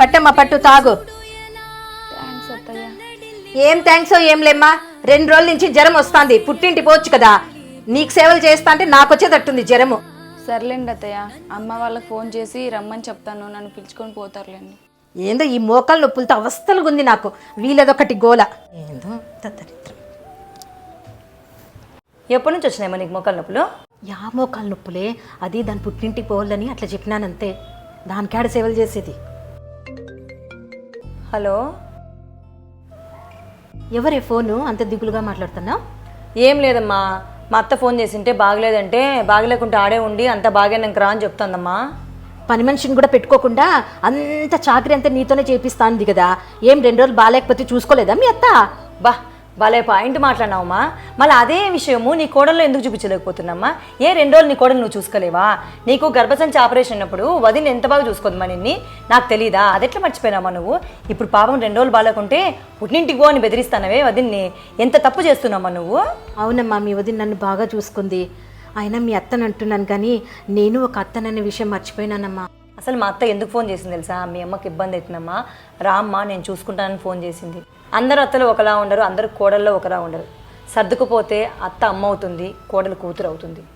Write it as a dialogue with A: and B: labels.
A: పట్టమ్మా పట్టు తాగు.
B: థ్యాంక్స్ అత్తయ్య.
A: ఏం థ్యాంక్స్ ఏం లేమ్మా, 2 రోజుల నుంచి జ్వరం వస్తుంది, పుట్టింటి పోవచ్చు కదా. నీకు సేవలు చేస్తా అంటే నాకు వచ్చేటట్టుంది జ్వరము.
B: సర్లేండి అత్తయ్య, అమ్మ వాళ్ళకి ఫోన్ చేసి రమ్మని చెప్తాను, నన్ను పిలుచుకొని పోతారులేండి.
A: ఏందో ఈ మోకాలు నొప్పులతో అవస్థలుగా ఉంది నాకు, వీలదొకటి గోల. ఏందో దరిద్రం.
C: ఎప్పటి నుంచి వచ్చినాయమ్మా నీకు మోకాలు నొప్పులు?
A: యా మోకాలు నొప్పులే, అది దాని పుట్టింటికి పోవాలని అట్లా చెప్పినానంతే, దానికాడ సేవలు చేసేది.
C: హలో,
A: ఎవరే ఫోను అంత దిగులుగా మాట్లాడుతున్నావు?
C: ఏం లేదమ్మా, మా అత్త ఫోన్ చేసింటే బాగలేదంటే బాగలేకుంటే ఆడే ఉండి అంత బాగానంక రా అని చెప్తుందమ్మా.
A: పని మనిషిని కూడా పెట్టుకోకుండా అంత చాకరీ అంతా నీతోనే చేపిస్తాంది కదా, ఏం 2 రోజులు బాగాలేకపోతే చూసుకోలేదా మీ అత్త?
C: బా భలే పాయింట్ మాట్లాడినావమ్మా. మళ్ళీ అదే విషయము నీ కోడల్లో ఎందుకు చూపించలేకపోతున్నామ్మా? 2 రోజులు నీ కోడలు నువ్వు చూసుకోలేవా? నీకు గర్భసంచి ఆపరేషన్ అయినప్పుడు వదిన ఎంత బాగా చూసుకోదమ్మా నిన్ని, నాకు తెలీదా? అదెట్లా మర్చిపోయినామా నువ్వు? ఇప్పుడు పాపం 2 రోజులు బాగాలేకుంటే పుట్టింటికి పో అని బెదిరిస్తానవే వదిన్ని, ఎంత తప్పు చేస్తున్నామ్మా నువ్వు?
A: అవునమ్మా, మీ వదిన నన్ను బాగా చూసుకుంది, అయినా మీ అత్తని అంటున్నాను కానీ నేను ఒక అత్తననే విషయం మర్చిపోయినానమ్మా.
C: అసలు మా అత్త ఎందుకు ఫోన్ చేసింది తెలుసా? మీ అమ్మకి ఇబ్బంది అవుతుందమ్మా, రామ్మా నేను చూసుకుంటానని ఫోన్ చేసింది. అందరు అత్తలు ఒకలా ఉండరు, అందరు కోడల్లో ఒకలా ఉండరు. సర్దుకుపోతే అత్త అమ్మ అవుతుంది, కోడలు కూతురు అవుతుంది.